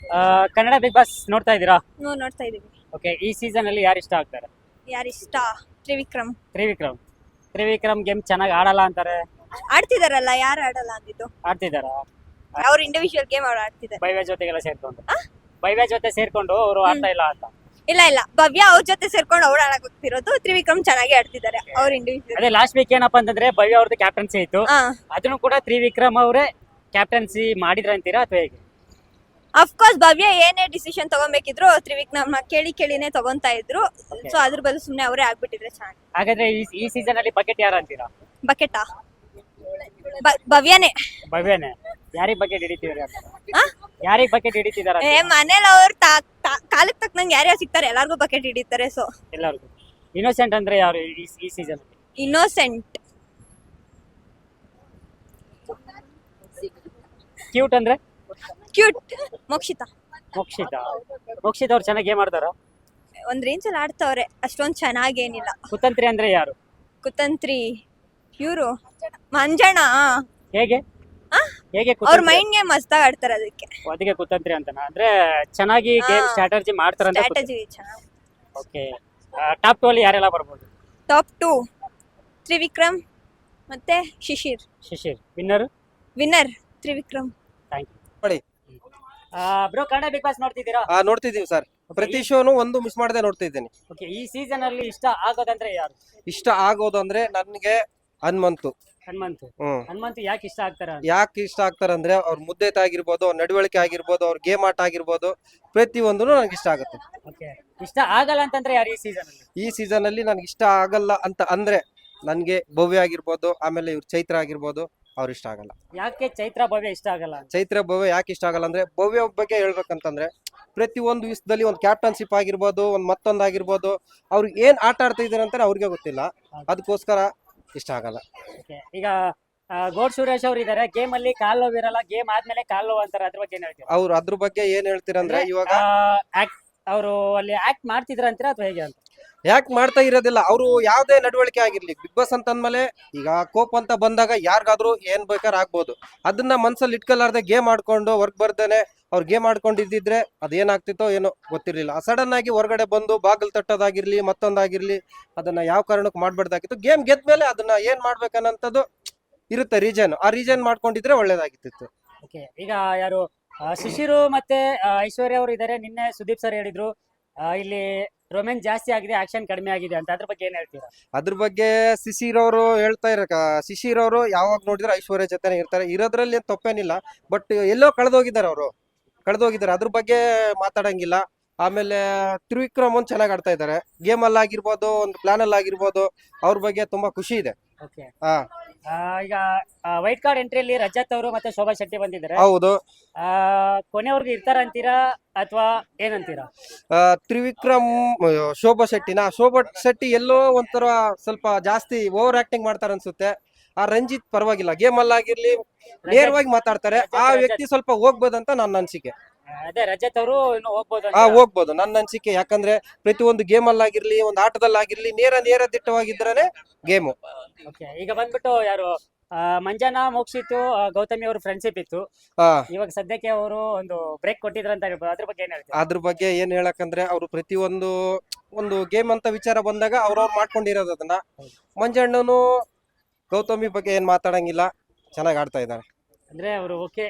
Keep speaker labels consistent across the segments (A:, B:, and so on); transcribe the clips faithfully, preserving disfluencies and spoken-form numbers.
A: ಆ, Kannada Bigg boss ನೋಡ್ತಾ ಇದ್ದೀರಾ?
B: ನಾವು ನೋಡ್ತಾ ಇದೀವಿ.
A: ಓಕೆ, ಈ ಸೀಸನ್ ಅಲ್ಲಿ ಯಾರು ಇಷ್ಟ ಆಗ್ತಾರೆ?
B: ಯಾರಿಷ್ಟ? ತ್ರಿವಿಕ್ರಮ್.
A: ತ್ರಿವಿಕ್ರಮ್. ತ್ರಿವಿಕ್ರಮ್ ಗೇಮ್ ಚೆನ್ನಾಗಿ ಆಡಲ್ಲ ಅಂತಾರೆ,
B: ಆಡ್ತಿದಾರಲ್ಲ, ಯಾರು ಆಡಲ್ಲ ಅಂದಿದ್ದು?
A: ಆಡ್ತಿದಾರ?
B: ಅವ್ರ ಇಂಡಿವಿಜುವಲ್ ಗೇಮ್ ಅವ್ರು ಆಡ್ತಿದ್ದಾರೆ.
A: ಭವ್ಯ ಜೊತೆಗೆಲ್ಲ ಸೇರ್ಕೊಂಡು ಭವ್ಯ ಜೊತೆ ಸೇರ್ಕೊಂಡು ಅವರು ಆಡ್ತಾ ಇಲ್ಲ ಅಂತ.
B: ಇಲ್ಲ ಇಲ್ಲ, ಭವ್ಯ ಅವ್ರ ಜೊತೆ ಸೇರ್ಕೊಂಡು ಅವ್ರು ಆಡಕ್ ಹೋಗ್ತಿರೋದು. ತ್ರಿವಿಕ್ರಮ್ ಚೆನ್ನಾಗಿ ಆಡ್ತಿದ್ದಾರೆ ಅವ್ರ ಇಂಡಿವಿಜುವಲ್.
A: ಅದೇ ಲಾಸ್ಟ್ ವೀಕ್ ಏನಪ್ಪಾ ಅಂತಂದ್ರೆ ಭವ್ಯ ಅವ್ರದ್ದು ಕ್ಯಾಪ್ಟನ್ಸಿ ಇತ್ತು,
B: ಹಾ,
A: ಅದನ್ನು ಕೂಡ ತ್ರಿವಿಕ್ರಮ್ ಅವರೇ ಕ್ಯಾಪ್ಟನ್ಸಿ ಮಾಡಿದ್ರ ಅಂತೀರಾ ಅಥವಾ ಹೇಗೆ?
B: ಅಫ್ಕೋರ್ಸ್ ಭವ್ಯ ಏನೇ ಡಿಸಿಷನ್ ತಗೊಬೇಕಿದ್ರು ತ್ರಿವಿಕ್ರಮ್ ಕೇಳಿ ಕೇಳಿನೇ ತಗೊಂತಾ ಇದ್ರು. ಸೊ ಅದ್ರ ಬದಲು ಸುಮ್ನೆ ಅವರೇ ಆಗ್ಬಿಟ್ಟಿದ್ರೆ ಚೆನ್ನಾಗಿ.
A: ಹಾಗಾದ್ರೆ ಈ ಈ ಸೀಸನ್ ಅಲ್ಲಿ ಬಕೆಟ್ ಯಾರು ಅಂತೀರಾ?
B: ಬಕೆಟಾ? ಭವ್ಯನೇ.
A: ಭವ್ಯನೇ. ಯಾರಿಗ್ ಬಕೆಟ್ ಹಿಡಿತಿದಾರೆ ಅಂತ?
B: ಆ?
A: ಯಾರಿಗ್ ಬಕೆಟ್ ಹಿಡಿತಿದಾರ?
B: ಏ ಮನೇಲಿ ಅವ್ರು ಕಾಲಕ್ಕೆ ತಕ್ಕನಂಗೆ ಯಾರ್ಯಾರು ಸಿಗ್ತಾರೆ ಎಲ್ಲಾರ್ಗು ಬಕೆಟ್ ಹಿಡಿತಾರೆ. ಸೊ
A: ಎಲ್ಲರಿಗೂ. ಇನ್ನೋಸೆಂಟ್ ಅಂದ್ರೆ ಯಾರು ಈ ಈ ಸೀಸನ್?
B: ಇನ್ನೋಸೆಂಟ್.
A: ಕ್ಯೂಟ್ ಅಂದ್ರೆ
B: ಕ್ಯೂಟ್ ಮೋಕ್ಷಿತಾ.
A: ಮೋಕ್ಷಿತ. ಮೋಕ್ಷಿತ ಅವ್ರು ಚೆನ್ನಾಗಿ ಗೇಮ್ ಆಡ್ತಾರ?
B: ಒಂದ್ ರೇಂಜ್ ಅಲ್ಲಿ ಆಡ್ತವ್ರೆ, ಅಷ್ಟೊಂದ್ ಚೆನ್ನಾಗೇನಿಲ್ಲ.
A: ಕುತಂತ್ರಿ ಅಂದ್ರೆ ಯಾರು?
B: ಕುತಂತ್ರಿ ಇವ್ರು ಮಂಜಣ್ಣ.
A: ಹೇಗೆ
B: ಆ?
A: ಹೇಗೆ
B: ಅವ್ರ
A: ಕುತಂತ್ರಿ?
B: ಮೈಂಡ್ ಗೇಮ್ ಮಸ್ತಾಗ್ ಆಡ್ತಾರೆ, ಅದಕ್ಕೆ
A: ಅದಕ್ಕೆ ಕುತಂತ್ರಿ ಅಂತನ ಅಂದ್ರೆ ಚೆನ್ನಾಗಿ ಗೇಮ್
B: ಹಾ.
A: ಸ್ಟ್ರಾಟಜಿ ಮಾಡ್ತಾರಂತ.
B: ಸ್ಟ್ರಾಟಜಿ ಚೆನ್ನಾಗಿ.
A: ಓಕೆ, ಟಾಪ್ ಟು ಅಲ್ಲಿ ಯಾರೆಲ್ಲ ಬರ್ಬೋದು?
B: ಟಾಪ್ ಟು ತ್ರಿವಿಕ್ರಮ್ ಮತ್ತೆ Shishir.
A: Shishir winner.
B: Winner Trivikram.
A: Thank you.
C: ನೋಡಿ.
A: ಬ್ರೋ, ಕನ್ನಡ ಬಿಗ್ ಬಾಸ್ ನೋಡ್ತಿದ್ದೀರಾ?
C: ಆ ನೋಡ್ತಿದೀವಿ ಸರ್. ಪ್ರತಿ ಶೋನು ಒಂದು ಮಿಸ್ ಮಾಡದೆ ನೋಡ್ತಾ ಇದ್ದೀನಿ.
A: ಓಕೆ, ಈ ಸೀಸನ್ ಅಲ್ಲಿ ಇಷ್ಟ ಆಗೋದಂದ್ರೆ ಯಾರು?
C: ಇಷ್ಟ ಆಗೋದು ಅಂದ್ರೆ ನನ್ಗೆ ಹನುಮಂತು.
A: ಹನುಮಂತು.
C: ಹ್ಮ್
A: ಹನುಮಂತು ಯಾಕೆ ಇಷ್ಟ ಆಗ್ತಾರ?
C: ಯಾಕೆ ಇಷ್ಟ ಆಗ್ತಾರಂದ್ರೆ ಅವ್ರ ಮುದ್ದೆ ಆಗಿರ್ಬೋದು, ಅವ್ರ ನಡವಳಿಕೆ ಆಗಿರ್ಬೋದು, ಅವ್ರ ಗೇಮ್ ಆಟ ಆಗಿರ್ಬೋದು, ಪ್ರತಿಯೊಂದು ನನಗೆ ಇಷ್ಟ ಆಗುತ್ತೆ.
A: ಓಕೆ, ಇಷ್ಟ ಆಗಲ್ಲ ಅಂತಂದ್ರೆ ಯಾರು ಈ ಸೀಸನ್ ಅಲ್ಲಿ?
C: ಈ ಸೀಸನ್ ಅಲ್ಲಿ ನನ್ಗೆ ಇಷ್ಟ ಆಗಲ್ಲ ಅಂತ ಅಂದ್ರೆ ನನ್ಗೆ ಭವ್ಯ ಆಗಿರ್ಬೋದು, ಆಮೇಲೆ ಇವ್ರ ಚೈತ್ರ ಆಗಿರ್ಬೋದು, ಅವ್ರು ಇಷ್ಟ ಆಗಲ್ಲ.
A: ಯಾಕೆ ಚೈತ್ರ ಭವ್ಯ ಇಷ್ಟ ಆಗಲ್ಲ ಅಂತ?
C: ಚೈತ್ರ ಭವ್ಯ ಯಾಕೆ ಇಷ್ಟ ಆಗಲ್ಲ ಅಂದ್ರೆ ಭವ್ಯ ಬಗ್ಗೆ ಹೇಳ್ಬೇಕಂತಂದ್ರೆ ಪ್ರತಿ ಒಂದು ವಿಷಯದಲ್ಲಿ ಒಂದು ಕ್ಯಾಪ್ಟನ್ಶಿಪ್ ಆಗಿರ್ಬೋದು, ಒಂದ್ ಮತ್ತೊಂದ್ ಆಗಿರ್ಬೋದು, ಅವ್ರಿಗೆ ಏನ್ ಆಟ ಆಡ್ತಾ ಇದಾರೆ ಅಂತ ಅವ್ರಿಗೆ ಗೊತ್ತಿಲ್ಲ. ಅದಕ್ಕೋಸ್ಕರ ಇಷ್ಟ ಆಗಲ್ಲ.
A: Okay, ಈಗ ಆ, ಗೋಡ್ ಸುರೇಶ್ ಅವ್ರು ಇದಾರೆ, ಗೇಮ್ ಅಲ್ಲಿ ಕಾಲ್ ನೋವು ಇರಲ್ಲ, ಗೇಮ್ ಆದ್ಮೇಲೆ ಕಾಲ್ ನೋವು ಅಂತಾರೆ, ಅದ್ರ ಬಗ್ಗೆ ಏನ್ ಹೇಳ್ತೀರಾ?
C: ಅವ್ರು ಅದ್ರ ಬಗ್ಗೆ ಏನ್ ಹೇಳ್ತೀರಂದ್ರೆ ಇವಾಗ
A: ಅವರು ಅಲ್ಲಿ ಆಕ್ಟ್ ಮಾಡ್ತಿದ್ರ ಅಂತೀರಾ ಅಥವಾ ಹೇಗೆ ಅಂತ?
C: ಯಾಕೆ ಮಾಡ್ತಾ ಇರೋದಿಲ್ಲ, ಅವರು ಯಾವ್ದೇ ನಡವಳಿಕೆ ಆಗಿರ್ಲಿ ಬಿಗ್ ಬಾಸ್ ಅಂತ ಅಂದ್ಮೇಲೆ ಈಗ ಕೋಪ್ ಅಂತ ಬಂದಾಗ ಯಾರಿಗಾದ್ರೂ ಏನ್ ಬೇಕಾದ್ರೆ ಆಗ್ಬೋದು. ಅದನ್ನ ಮನ್ಸಲ್ಲಿ ಇಟ್ಕೊಲಾರ್ದೆ ಗೇಮ್ ಆಡ್ಕೊಂಡು ವರ್ಕ್ ಬರ್ದೇನೆ ಅವ್ರು ಗೇಮ್ ಆಡ್ಕೊಂಡಿದ್ದಿದ್ರೆ ಅದೇನಾಗ್ತಿತ್ತೋ ಏನೋ ಗೊತ್ತಿರ್ಲಿಲ್ಲ. ಸಡನ್ ಆಗಿ ಹೊರಗಡೆ ಬಂದು ಬಾಗಿಲು ತಟ್ಟೋದಾಗಿರ್ಲಿ ಮತ್ತೊಂದಾಗಿರ್ಲಿ ಅದನ್ನ ಯಾವ ಕಾರಣಕ್ಕೂ ಮಾಡ್ಬಾರ್ದಾಗಿತ್ತು. ಗೇಮ್ ಗೆದ್ಮೇಲೆ ಅದನ್ನ ಏನ್ ಮಾಡ್ಬೇಕನ್ನಂಥದ್ದು ಇರುತ್ತೆ ರೀಸನ್. ಆ ರೀಸನ್ ಮಾಡ್ಕೊಂಡಿದ್ರೆ ಒಳ್ಳೇದಾಗಿತ್ತು.
A: ಓಕೆ, ಈಗ ಯಾರು ಆ, ಶಿಶಿರು ಮತ್ತೆ ಆ, ಐಶ್ವರ್ಯ ಅವರು ಇದಾರೆ. ನಿನ್ನೆ ಸುದೀಪ್ ಸರ್ ಹೇಳಿದ್ರು ಆ, ಇಲ್ಲಿ ರೊಮ್ಯಾನ್ಸ್ ಜಾಸ್ತಿ ಆಗಿದೆ, ಆಕ್ಷನ್ ಕಡಿಮೆ ಆಗಿದೆ ಅಂತ. ಅದ್ರ ಬಗ್ಗೆ ಏನ್ ಹೇಳ್ತೀರಾ?
C: ಅದ್ರ ಬಗ್ಗೆ ಶಿಶಿರ್ ಅವರು ಹೇಳ್ತಾ ಇರ ಶಿಶಿರ್ ಅವರು ಯಾವಾಗ ನೋಡಿದ್ರೆ ಐಶ್ವರ್ಯ ಜೊತೆನೆ ಇರ್ತಾರೆ, ಇರೋದ್ರಲ್ಲಿ ಏನ್ ತಪ್ಪೇನಿಲ್ಲ. ಬಟ್ ಎಲ್ಲೋ ಕಳೆದೋಗಿದ್ದಾರೆ, ಅವರು ಕಳೆದೋಗಿದ್ದಾರೆ, ಅದ್ರ ಬಗ್ಗೆ ಮಾತಾಡಂಗಿಲ್ಲ. ಆಮೇಲೆ ತ್ರಿವಿಕ್ರಮ್ ಒಂದ್ ಚೆನ್ನಾಗಿ ಆಡ್ತಾ ಇದ್ದಾರೆ, ಗೇಮ್ ಅಲ್ಲಿ ಆಗಿರ್ಬೋದು, ಒಂದು ಪ್ಲಾನ್ ಅಲ್ಲಿ ಆಗಿರ್ಬೋದು. ಅವ್ರ ಬಗ್ಗೆ ತುಂಬಾ ಖುಷಿ ಇದೆ.
A: ಓಕೆ,
C: ಹಾ
A: ಈಗ ವೈಟ್ ಕಾರ್ಡ್ ಎಂಟ್ರಿಯಲ್ಲಿ ರಜತ್ ಅವರು ಮತ್ತೆ ಶೋಭಾ ಶೆಟ್ಟಿ ಬಂದಿದ್ದಾರೆ.
C: ಹೌದು.
A: ಆ, ಕೊನೆವರೆಗೂ ಇರ್ತಾರ ಅಂತೀರಾ ಅಥವಾ ಏನಂತೀರಾ?
C: ಆ, ತ್ರಿವಿಕ್ರಮ್ ಶೋಭಾ ಶೆಟ್ಟಿನ ಶೋಭಾ ಶೆಟ್ಟಿ ಎಲ್ಲೋ ಒಂಥರ ಸ್ವಲ್ಪ ಜಾಸ್ತಿ ಓವರ್ ಆಕ್ಟಿಂಗ್ ಮಾಡ್ತಾರೆ ಅನ್ಸುತ್ತೆ. ಆ ರಂಜಿತ್ ಪರವಾಗಿಲ್ಲ, ಗೇಮ್ ಅಲ್ಲಿ ಆಗಿರ್ಲಿ ನೇರವಾಗಿ ಮಾತಾಡ್ತಾರೆ. ಆ ವ್ಯಕ್ತಿ ಸ್ವಲ್ಪ ಹೋಗ್ಬೋದಂತ ನನ್ನ ಅನ್ಸಿಕೆ.
A: ಅದೇ ರಜತ್ ಅವರು ಇನ್ನು ಹೋಗ್ಬೋದು
C: ಆ ಹೋಗ್ಬೋದು ನನ್ನ ಅನ್ಸಿಕೆ. ಯಾಕಂದ್ರೆ ಪ್ರತಿ ಒಂದು ಗೇಮ್ ಅಲ್ಲಿ ಆಗಿರ್ಲಿ ಒಂದು ಆಟದಲ್ಲಿ ಆಗಿರ್ಲಿ ನೇರ ನೇರ ದಿಟ್ಟವಾಗಿದ್ರೇನೆ ಗೇಮು.
A: ಓಕೆ, ಈಗ ಬಂದ್ಬಿಟ್ಟು ಯಾರು ಆ, ಮಂಜನಾ ಮೋಕ್ಷಿತು ಆ, ಗೌತಮಿ ಅವರು ಫ್ರೆಂಡ್ಶಿಪ್ ಇತ್ತು.
C: ಆ
A: ಇವಾಗ ಸದ್ಯಕ್ಕೆ ಅವರು ಒಂದು ಬ್ರೇಕ್ ಕೊಟ್ಟಿದ್ರು ಅಂತ ಹೇಳ್ಬೋದು. ಅದ್ರ ಬಗ್ಗೆ ಏನ್ ಹೇಳ್ತೀರಾ?
C: ಅದ್ರ ಬಗ್ಗೆ ಏನ್ ಹೇಳಕಂದ್ರೆ ಅವರು ಪ್ರತಿಯೊಂದು ಒಂದು ಗೇಮ್ ಅಂತ ವಿಚಾರ ಬಂದಾಗ ಅವ್ರವ್ರು ಮಾಡ್ಕೊಂಡಿರೋದು ಅದನ್ನ. ಮಂಜಣ್ಣನು ಗೌತಮಿ ಬಗ್ಗೆ ಏನ್ ಮಾತಾಡಂಗಿಲ್ಲ, ಚೆನ್ನಾಗಿ ಆಡ್ತಾ ಇದ್ದಾರೆ.
A: ಅಂದ್ರೆ ಅವರು ಓಕೆ,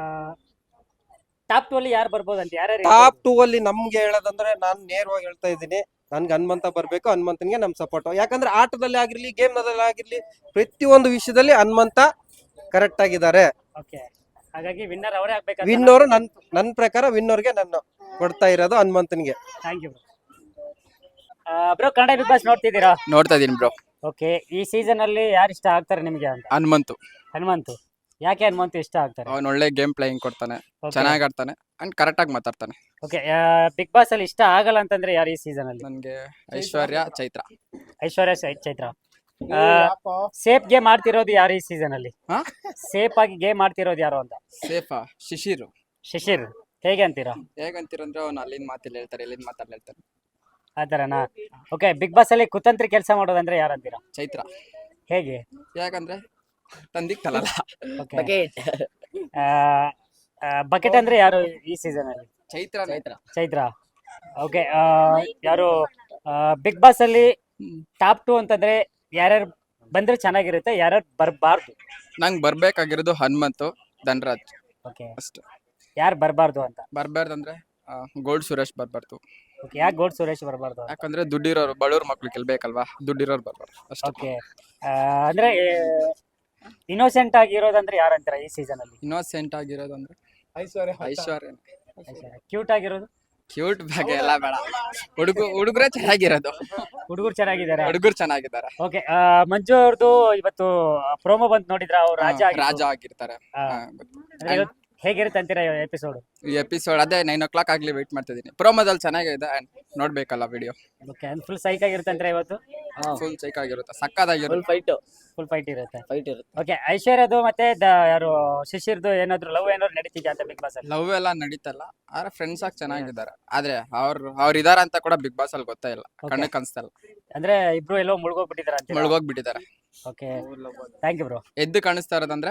A: ಟಾಪ್ ಟು ಅಲ್ಲಿ ಯಾರು ಬರ್ಬೋದು ಅಂತ? ಯಾರ್ಯಾರು
C: ಟಾಪ್ ಟೂ ಅಲ್ಲಿ ನಮ್ಗೆ ಹೇಳೋದಂದ್ರೆ ನಾನ್ ನೇರವಾಗಿ ಹೇಳ್ತಾ ಇದ್ದೀನಿ, ನನ್ಗೆ ಹನುಮಂತ ಬರ್ಬೇಕು. ಹನುಮಂತನ್ಗೆ ನಮ್ ಸಪೋರ್ಟ್. ಯಾಕಂದ್ರೆ ಆಟದಲ್ಲಿ ಆಗಿರ್ಲಿ ಗೇಮ್ ನಲ್ಲಿ ಆಗಿರ್ಲಿ ಪ್ರತಿಯೊಂದು ವಿಷಯದಲ್ಲಿ ಹನುಮಂತ ಕರೆಕ್ಟ್ ಆಗಿದ್ದಾರೆ.
A: ಓಕೆ, ಹಾಗಾಗಿ ವಿನ್ನರ್ ಅವರೇ ಆಗ್ಬೇಕು.
C: ವಿನ್ನೋರ್ ನನ್ ನನ್ ಪ್ರಕಾರ ವಿನ್ನೋರ್ಗೆ ನಾನು ಕೊಡ್ತಾ ಇರೋದು ಹನುಮಂತನ್ಗೆ.
A: Thank you bro. Kannada Bigg Boss ನೋಡ್ತಿದ್ದೀರಾ?
D: ನೋಡ್ತಾ ಇದೀನಿ ಬ್ರೋ.
A: ಓಕೆ, ಈ ಸೀಸನ್ ಅಲ್ಲಿ ಯಾರು ಇಷ್ಟ ಆಗ್ತಾರೆ ನಿಮಗೆ ಅಂತ?
D: ಹನುಮಂತು.
A: ಹನುಮಂತು. ಯಾಕೆ ಹನುಮಂತು ಇಷ್ಟ ಆಗ್ತಾರೆ?
D: ಅವನ್ ಒಳ್ಳೆ ಗೇಮ್ ಪ್ಲೇಯಿಂಗ್ ಕೊಡ್ತಾನೆ, ಚೆನ್ನಾಗಿ ಆಡ್ತಾನೆ ಅಂಡ್ ಕರೆಕ್ಟ್ ಆಗಿ ಮಾತಾಡ್ತಾನೆ.
A: ಓಕೆ, ಬಿಗ್ ಬಾಸ್ ಅಲ್ಲಿ ಇಷ್ಟ ಆಗಲ್ಲ ಅಂತಂದ್ರೆ ಯಾರು ಈ ಸೀಸನ್ ಅಲ್ಲಿ?
D: ನನ್ಗೆ ಐಶ್ವರ್ಯ, ಚೈತ್ರ.
A: ಐಶ್ವರ್ಯ ಚೈ- ಚೈತ್ರ. ಸೇಫ್ ಗೇಮ್ ಆಡ್ತಿರೋದು ಯಾರು ಈ ಸೀಸನ್ ಅಲ್ಲಿ?
D: ಹಾ?
A: ಸೇಫ್ ಆಗಿ ಗೇಮ್ ಆಡ್ತಿರೋದು ಯಾರು ಅಂತ?
D: ಸೇಫಾ? ಶಿಶಿರು.
A: ಶಿಶಿರ್. ಹೇಗೆ ಅಂತೀರಾ?
D: ಹೇಗಂತೀರಂದ್ರೆ ಅವ್ನು ಅಲ್ಲಿಂದ ಮಾತಿಲ್ಲ ಹೇಳ್ತಾರೆ, ಇಲ್ಲಿಂದ ಮಾತಾಡ್ಲ ಹೇಳ್ತಾರೆ.
A: ಆತರನಾ? ಓಕೆ, ಬಿಗ್ ಬಾಸ್ ಅಲ್ಲಿ ಕುತಂತ್ರಿ ಕೆಲಸ ಮಾಡೋದಂದ್ರೆ ಯಾರು ಅಂತೀರಾ?
D: ಚೈತ್ರ.
A: ಹೇಗೆ?
D: ಯಾಕಂದ್ರೆ ತಂದಿಕ್ ತಲಲ್ಲ.
A: ಓಕೆ, ಬಕೆಟ್ ಅಂದ್ರೆ ಯಾರು ಈ ಸೀಸನ್ ಅಲ್ಲಿ?
D: ಚೈತ್ರ
E: ಚೈತ್ರ
A: ಚೈತ್ರ ಓಕೆ ಯಾರು ಬಿಗ್ ಬಾಸ್ ಅಲ್ಲಿ ಟಾಪ್ ಟು ಅಂತಂದ್ರೆ ಯಾರ್ಯಾರು ಬಂದ್ರೆ ಚೆನ್ನಾಗಿರುತ್ತೆ, ಯಾರ್ಯಾರು ಬರಬಾರ್ದು?
D: ನಂಗೆ ಬರ್ಬೇಕಾಗಿರೋದು ಹನುಮಂತು, ಧನರಾಜ್
A: ಓಕೆ,
D: ಅಷ್ಟೇ.
A: ಯಾರು ಬರಬಾರ್ದು ಅಂತ?
D: ಬರ್ಬಾರ್ದಂದ್ರೆ ಗೋಲ್ಡ್ ಸುರೇಶ್ ಬರ್ಬಾರ್ದು.
A: ಓಕೆ, ಯಾಕೆ ಗೋಡ್ ಸುರೇಶ್ ಬರಬಾರ್ದು?
D: ಯಾಕಂದ್ರೆ ದುಡ್ಡಿರೋರು ಬಡವ್ರ ಮಕ್ಳು ಗೆಲ್ಬೇಕಲ್ವಾ, ದುಡ್ಡಿರೋರು ಬರ್ಬಾರ್ದು ಅಷ್ಟೇ.
A: ಓಕೆ, ಅಂದ್ರೆ ಇನ್ನೋಸೆಂಟ್ ಆಗಿರೋದಂದ್ರೆ ಯಾರಂತೀರ ಈ ಸೀಸನ್ ಅಲ್ಲಿ?
D: ಇನ್ನೋಸೆಂಟ್ ಆಗಿರೋದು ಅಂದ್ರೆ ಐಶ್ವರ್ಯ ಐಶ್ವರ್ಯ
A: ಕ್ಯೂಟ್ ಆಗಿರೋದು?
D: ಕ್ಯೂಟ್ ಬಗ್ಗೆ ಎಲ್ಲ ಬೇಡ, ಹುಡುಗ ಹುಡುಗರೇ ಚೆನ್ನಾಗಿರೋದು.
A: ಹುಡುಗರು ಚೆನ್ನಾಗಿದ್ದಾರೆ.
D: ಹುಡುಗರು ಚೆನ್ನಾಗಿದ್ದಾರೆ.
A: ಓಕೆ, ಮಂಜು ಅವ್ರದ್ದು ಇವತ್ತು ಪ್ರೋಮೋ ಬಂದ್ ನೋಡಿದ್ರ? ಅವ್ರು ರಾಜ
D: ಹಾ,
A: ಆಗಿದ್ರು.
D: ರಾಜ ಆಗಿರ್ತಾರೆ.
A: ಹಾ.
D: ಹಾ, ಗೊತ್ತು.
A: ಅಂದ್ರೆ ಇವತ್ತು ಹೇಗಿರುತ್ತೆ ಅಂತೀರಾ ಎಪಿಸೋಡ್?
D: ಈ ಎಪಿಸೋಡ್ ಅದೇ ನೈನ್ ಓ ಕ್ಲಾಕ್ ಆಗ್ಲಿ ವೇಟ್ ಮಾಡ್ತಿದ್ದೀನಿ. ಪ್ರೋಮೋದಲ್ಲಿ ಚೆನ್ನಾಗಿದೆ and ನೋಡ್ಬೇಕಲ್ಲ ವಿಡಿಯೋ.
A: ಓಕೆ, ಫುಲ್ ಸೈಕ್ ಆಗಿರುತ್ತೆ ಅಂದ್ರೆ ಇವತ್ತು?
D: ಫುಲ್ ಚೈಕ್ ಆಗಿರುತ್ತೆ, ಸಕ್ಕದಾಗಿರುತ್ತೆ.
E: ಫುಲ್ ಫೈಟ್
A: ಫುಲ್ ಫೈಟ್ ಇರುತ್ತೆ.
E: ಫೈಟ್ ಇರುತ್ತೆ.
A: ಓಕೆ, ಐಶ್ವರ್ಯದು ಮತ್ತೆ ದ- ಯಾರು ಶಿಶಿರ್ದು ಏನಾದ್ರು ಲವ್ ಏನಾದ್ರು ನಡೀತಿದ್ಯಾ ಅಂತ ಬಿಗ್ ಬಾಸ್ ಅಲ್ಲಿ?
D: ಲವ್ ಎಲ್ಲ ನಡೀತಲ್ಲ, ಆದ್ರೆ ಫ್ರೆಂಡ್ಸ್ ಆಗಿ ಚೆನ್ನಾಗಿದ್ದಾರೆ. ಆದ್ರೆ ಅವ್ರು ಅವ್ರು ಇದಾರ ಅಂತ ಕೂಡ ಬಿಗ್ ಬಾಸ್ ಅಲ್ಲಿ ಗೊತ್ತೇ ಇಲ್ಲ, ಕಣ್ಣು ಕಾಣಿಸ್ತಲ್ಲ.
A: ಅಂದ್ರೆ ಇಬ್ರು ಎಲ್ಲೋ ಮುಳುಗೋಗ್ಬಿಟ್ಟಿದಾರ ಅಂತ?
D: ಮುಳುಗೋಗ್ಬಿಟ್ಟಿದ್ದಾರೆ.
A: Okay, thank you bro.
D: ಎದ್ದು ಕಾಣಿಸ್ತಾ ಇರೋದಂದ್ರೆ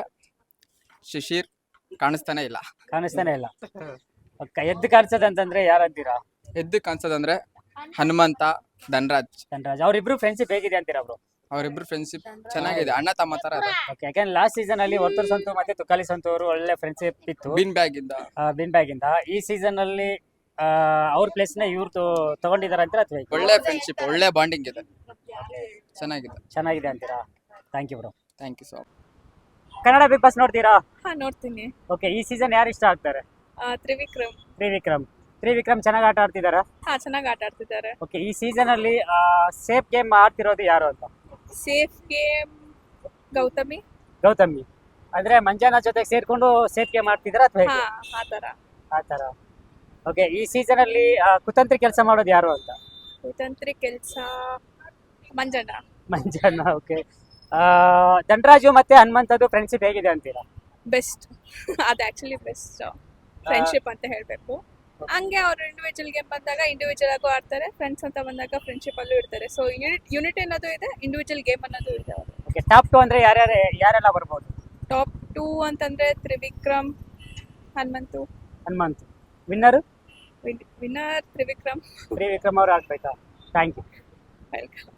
D: ಶಿಶಿರ್ ಕಾಣಿಸ್ತಾನೆ ಇಲ್ಲ.
A: ಕಾಣಿಸ್ತಾನೆ ಇಲ್ಲ. ಓಕೆ, ಎದ್ದು ಕಾಣಿಸೋದಂತಂದ್ರೆ ಯಾರಂತೀರಾ?
D: ಎದ್ದು ಕಾಣಿಸೋದಂದ್ರೆ ಹನುಮಂತ, ಧನರಾಜ್.
A: ಧನರಾಜ್ ಅವ್ರಿಬ್ರು ಫ್ರೆಂಡ್ಶಿಪ್ ಹೇಗಿದೆ ಅಂತೀರಾ ಬ್ರೋ?
D: ಅವರಿಬ್ರು ಫ್ರೆಂಡ್ಶಿಪ್ ಚೆನ್ನಾಗಿದೆ, ಅಣ್ಣ ತಮ್ಮ ತರ ಇದೆ.
A: ಓಕೆ, ಯಾಕಂದ್ರೆ ಲಾಸ್ಟ್ ಸೀಸನ್ ಅಲ್ಲಿ ವರ್ತೂರ್ ಸಂತು ಮತ್ತೆ ತುಕಾಲಿ ಸಂತು ಅವರು ಒಳ್ಳೆ ಫ್ರೆಂಡ್ಶಿಪ್ ಇತ್ತು
D: ಬಿನ್ ಬ್ಯಾಗ್ ಇಂದ.
A: ಬಿನ್ ಬ್ಯಾಗ್ ಇಂದ. ಈ ಸೀಸನ್ ಅಲ್ಲಿ ಆ, ಅವ್ರ ಪ್ಲೇಸ್ ನ ಇವ್ರು ತಗೊಂಡಿದಾರ ಅಂತೀರಾ ಅಥವಾ ಹೇಗೆ?
D: ಒಳ್ಳೆ ಫ್ರೆಂಡ್ಶಿಪ್, ಒಳ್ಳೆ ಬಾಂಡಿಂಗ್ ಇದೆ, ಚೆನ್ನಾಗಿದೆ.
A: ಚೆನ್ನಾಗಿದೆ ಅಂತೀರಾ? Thank you bro.
D: Thank you so much.
A: Kannada Bigg Boss ನೋಡ್ತೀರಾ?
F: ಹಾ ನೋಡ್ತೀನಿ.
A: ಓಕೆ, ಈ ಸೀಸನ್ ಯಾರು ಇಷ್ಟ ಆಗ್ತಾರೆ?
F: ಆ, ತ್ರಿವಿಕ್ರಮ್.
A: ತ್ರಿವಿಕ್ರಮ್. ತ್ರಿವಿಕ್ರಮ್ ಚೆನ್ನಾಗಿ ಆಟ ಆಡ್ತಿದಾರಾ?
F: ಹಾ ಚೆನ್ನಾಗಿ ಆಟ ಆಡ್ತಿದ್ದಾರೆ.
A: ಓಕೆ, ಈ ಸೀಸನ್ ಅಲ್ಲಿ ಸೇಫ್ ಗೇಮ್ ಆಡ್ತಿರೋದು ಯಾರು ಅಂತ?
F: Safe game Gautami.
A: ಗೌತಮಿ ಅಂದ್ರೆ ಮಂಜಾನ ಜೊತೆಗೆ ಸೇರ್ಕೊಂಡು ಸೇಫ್ ಗೇಮ್ ಆಡ್ತಿದಾರಾ ಅಥವಾ
F: ಹಾ
A: ಹೇಗೆ?
F: ಆತರ.
A: ಆ ತರ. ಓಕೆ, ಈ ಸೀಸನ್ ಅಲ್ಲಿ ಆ, ಕುತಂತ್ರಿ ಕೆಲಸ ಮಾಡೋದು ಯಾರು ಅಂತ?
F: ಕುತಂತ್ರಿ ಕೆಲ್ಸ ಮಂಜಣ್ಣ.
A: ಮಂಜಾನ. ಓಕೆ, ಧನರಾಜು ಮತ್ತೆ ಹನುಮಂತದ್ದು ಫ್ರೆಂಡ್ಶಿಪ್ ಹೇಗಿದೆ ಅಂತೀರಾ?
F: ಬೆಸ್ಟ್. ಅದು ಆಕ್ಚುಲಿ ಬೆಸ್ಟ್ ಫ್ರೆಂಡ್ಶಿಪ್ ಅಂತ ಹೇಳ್ಬೇಕು. ಹಂಗೆ ಅವ್ರು ಇಂಡಿವಿಜುವಲ್ ಗೇಮ್ ಬಂದಾಗ ಇಂಡಿವಿಜುವಲ್ ಆಗು ಆಡ್ತಾರೆ, ಫ್ರೆಂಡ್ಸ್ ಅಂತ ಬಂದಾಗ ಫ್ರೆಂಡ್ಶಿಪ್ ಅಲ್ಲೂ ಇರ್ತಾರೆ. ಸೊ ಯೂನಿಟ್ ಯೂನಿಟ್ ಅನ್ನೋದು ಇದೆ, ಇಂಡಿವಿಜುವಲ್ ಗೇಮ್ ಅನ್ನೋದು ಇದೆ. ಅವರು
A: ಓಕೆ, ಟಾಪ್ ಟು ಅಂದ್ರೆ ಯಾರ್ಯಾರು ಯಾರೆಲ್ಲ ಬರ್ಬೋದು?
F: ಟಾಪ್ ಟೂ ಅಂತಂದ್ರೆ ತ್ರಿವಿಕ್ರಮ್, ಹನುಮಂತು.
A: ಹನುಮಂತ್. ವಿನ್ನರು?
F: ವಿನ್ನರ್ ತ್ರಿವಿಕ್ರಮ್.
A: ತ್ರಿವಿಕ್ರಮ್ ಅವ್ರು ಆಗ್ಬೇಕಾ? Thank you.
F: ವೆಲ್ಕಮ್.